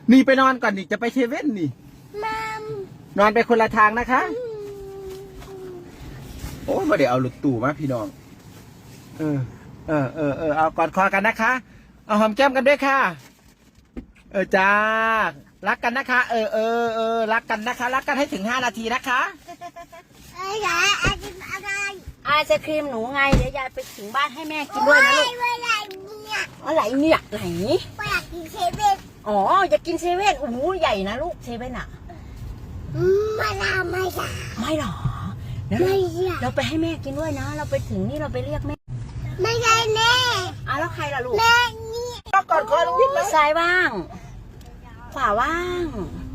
นี่ไปนอนก่อนนี่จะไปเซเว่นนี่นอนไปคนละทางนะคะโอ้มาเดี๋ยวเอารถตู้มาพี่น้องเอากอดคอกันนะคะเอาหอมแก้มกันด้วยค่ะจ้ารักกันนะคะรักกันนะคะรักกันให้ถึง5 นาทีนะคะไอศครีมหนูไงเดี๋ยวยายไปถึงบ้านให้แม่กินด้วยนะลูกอะไรเนี่ยไหนอยากกินเซเว่นอ๋ออยากกินเซเว่นโอ้โหใหญ่นะลูกเซเว่นอะไม่หรอเราไปให้แม่กินด้วยนะเราไปถึงนี่เราไปเรียกแม่ไม่ใช่แม่แล้วใครล่ะลูกแม่นี่ก็กอดคอลุงวิทย์เลยซ้ายว่างขวาว่าง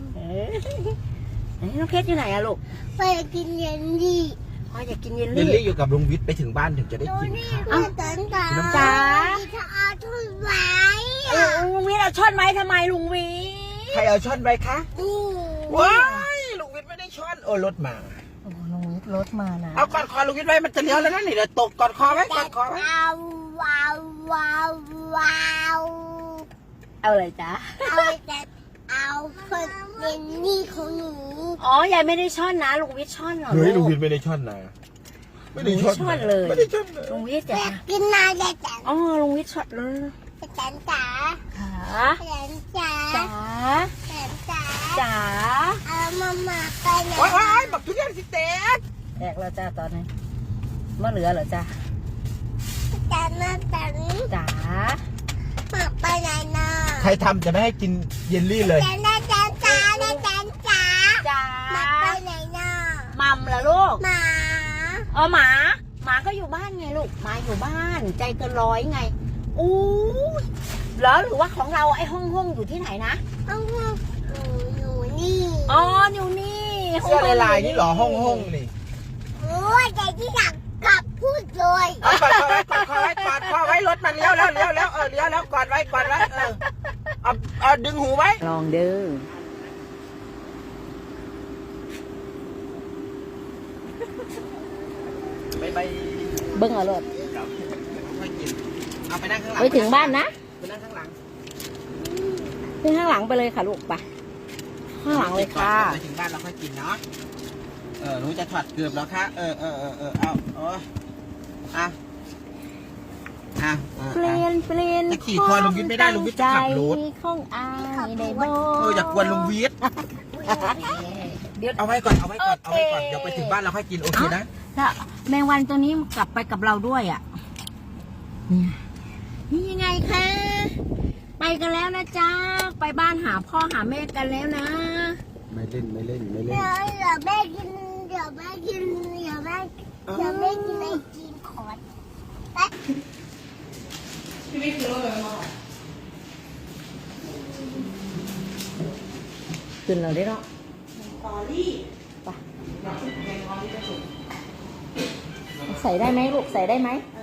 น้องเพชรอยู่ไหนอะลูกไปกินเยลลี่อยากกินเยลเยลลี่ลี่อยู่กับลุงวิทย์ไปถึงบ้านถึงจะได้กินค่ะจ๋าจะเอาทุนไว้ลุงวิทย์เอาช้อนไม้ทำไมลุงวิทย์ใครเอาช้อนไปคะว้ายลุงวิทย์ไม่ได้ช้อนรถมาลุงวิทย์รถมานะเอากอดคอลุงวิทย์ไว้มันจะเลี้ยวแล้วนะนี่เดี๋ยวตกกอดคอไว้กอดคอไว้ว้าวเอาอะไรจ๊ะเอาคนเยลลี่ของหนูยายไม่ได้ช้อนนะลุงวิทย์ช้อนเหรอเฮ้ยลุงวิทย์ไม่ได้ช้อนนะไม่ได้ช้อนเลยไม่ได้ช้อนเลยลุงวิทย์จะกินนายเลยจ๋าลุงวิทย์ช้อนเลยจ๋าจ๋ามาไปไหนว้ายบักทุเรียนสิเต๊กแตกแล้วจ้าตอนนี้เมื่อเหลือเหรอจ้าจ๋ามาไปไหนนะใครทำจะไม่ให้กินเยลลี่เลยจ๋ามาไปไหนนะมัมเหรอลูกหมาหมาก็อยู่บ้านไงลูกหมาอยู่บ้านใจเกินร้อยไงเหรอหรือว่าของเราไอ้ห้องอยู่ที่ไหนนะห้องอยู่นี่อยู่นี่เสื้อลายนี่หรอห้องนี่โอ้ยใจที่อยากกลับพูดเลยกอดคอไว้รถมันเลี้ยวแล้วเลี้ยวแล้วกอดไว้เอาดึงหูไว้ลองดูไปเบิ้งเอารถเอาไปนั่งข้างหลังไปถึงบ้านนะไปนั่งข้างหลังขึ้นข้างหลังไปเลยค่ะลูกไปข้างหลังเลยค่ะไปถึงบ้านเราค่อยกินเนาะหนูจะถอดเกือบแล้วค่ะเปลี่ยนจะขี่คอลุงวิทย์ไม่ได้ลุงวิทย์จะขับรถของอายได้บ่อย่ากวนลุงวิทย์เดี๋ยวเอาไว้ก่อนเดี๋ยวไปถึงบ้านเราค่อยกินโอเคนะถ้าแมงวันตัวนี้กลับไปกับเราด้วยนี่ยังไงคะไปกันแล้วนะจ๊ะไปบ้านหาพ่อหาแม่กันแล้วนะไม่เล่นเดี๋ยวแม่กินไอจีนขอดพี่ไม่คิดว่าเลยมั้งขึ้นเราได้หรอตอรี่ไปใส่ได้ไหมลูกใส่ได้ไหม